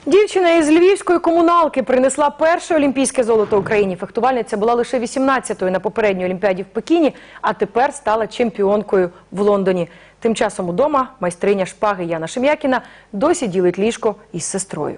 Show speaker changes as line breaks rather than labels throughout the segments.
Дівчина із львівської комуналки принесла перше олімпійське золото Україні. Фехтувальниця була лише 18-ю на попередній Олімпіаді в Пекіні, а тепер стала чемпіонкою в Лондоні. Тим часом удома майстриня шпаги Яна Шем'якіна досі ділить ліжко із сестрою.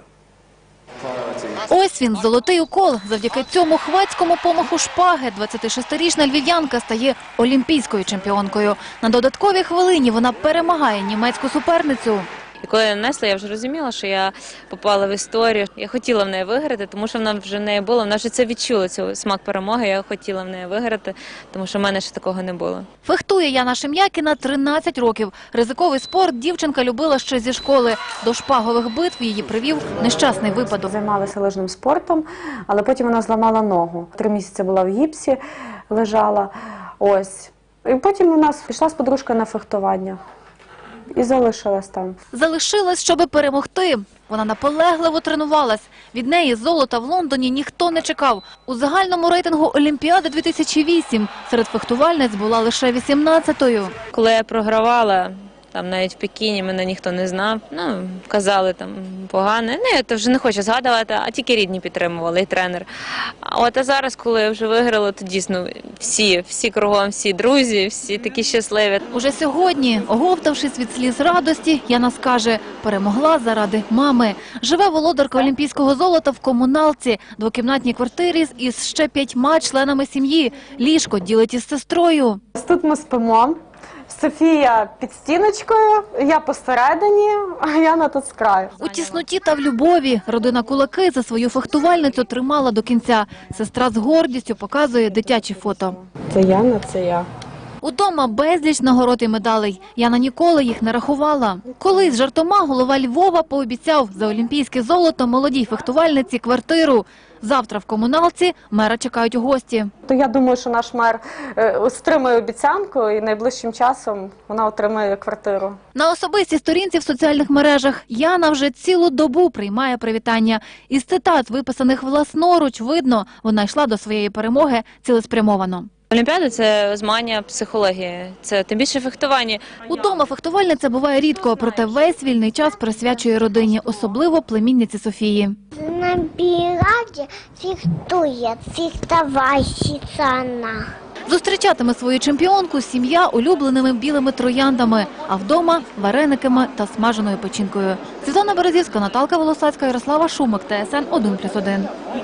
Ось він, золотий укол. Завдяки цьому хвацькому помаху шпаги 26-річна львів'янка стає олімпійською чемпіонкою. На додатковій хвилині вона перемагає німецьку суперницю.
І коли я нанесла, я вже розуміла, що я попала в історію. Я хотіла в неї виграти, тому що вона вже в неї була. Вона вже це відчула, цей смак перемоги. Я хотіла в неї виграти, тому що в мене ще такого не було.
Фехтує Яна Шем'якіна 13 років. Ризиковий спорт дівчинка любила ще зі школи. До шпагових битв її привів нещасний випадок.
Займалася лижним спортом, але потім вона зламала ногу. 3 місяці була в гіпсі, лежала. Ось. І потім у нас пішла з подружкою на фехтування. І залишилась там.
Залишилась, щоби перемогти. Вона наполегливо тренувалась. Від неї золота в Лондоні ніхто не чекав. У загальному рейтингу Олімпіади 2008 серед фехтувальниць була лише 18-ю.
Коли я програвала, там навіть в Пекіні мене ніхто не знав, казали там погане. Я то вже не хочу згадувати, а тільки рідні підтримували, і тренер. А зараз, коли я вже виграла, то дійсно всі кругом, всі друзі, всі такі щасливі.
Уже сьогодні, оговтавшись від сліз радості, Яна скаже, перемогла заради мами. Живе володарка олімпійського золота в комуналці, двокімнатній квартирі із ще 5 членами сім'ї. Ліжко ділить із сестрою.
Тут ми спимо. Софія під стіночкою, я посередині, а Яна тут з краю.
У тісноті та в любові родина Кулаки за свою фехтувальницю тримала до кінця. Сестра з гордістю показує дитячі фото.
Це Яна, це я.
Удома безліч нагород і медалей. Яна ніколи їх не рахувала. Колись жартома голова Львова пообіцяв за олімпійське золото молодій фехтувальниці квартиру. Завтра в комуналці мера чекають гості.
То я думаю, що наш мер стримує обіцянку і найближчим часом вона отримає квартиру.
На особистій сторінці в соціальних мережах Яна вже цілу добу приймає привітання. Із цитат, виписаних власноруч, видно, вона йшла до своєї перемоги цілеспрямовано.
Олімпіада – це змагання психології, це тим більше фехтування.
Удома фехтувальниця буває рідко, проте весь вільний час присвячує родині, особливо племінниці Софії.
На біраді фехтувальщиця вона.
Зустрічатиме свою чемпіонку сім'я улюбленими білими трояндами, а вдома – варениками та смаженою печінкою. Світлана Березівська, Наталка Волосацька, Ярослава Шумик, ТСН 1+1.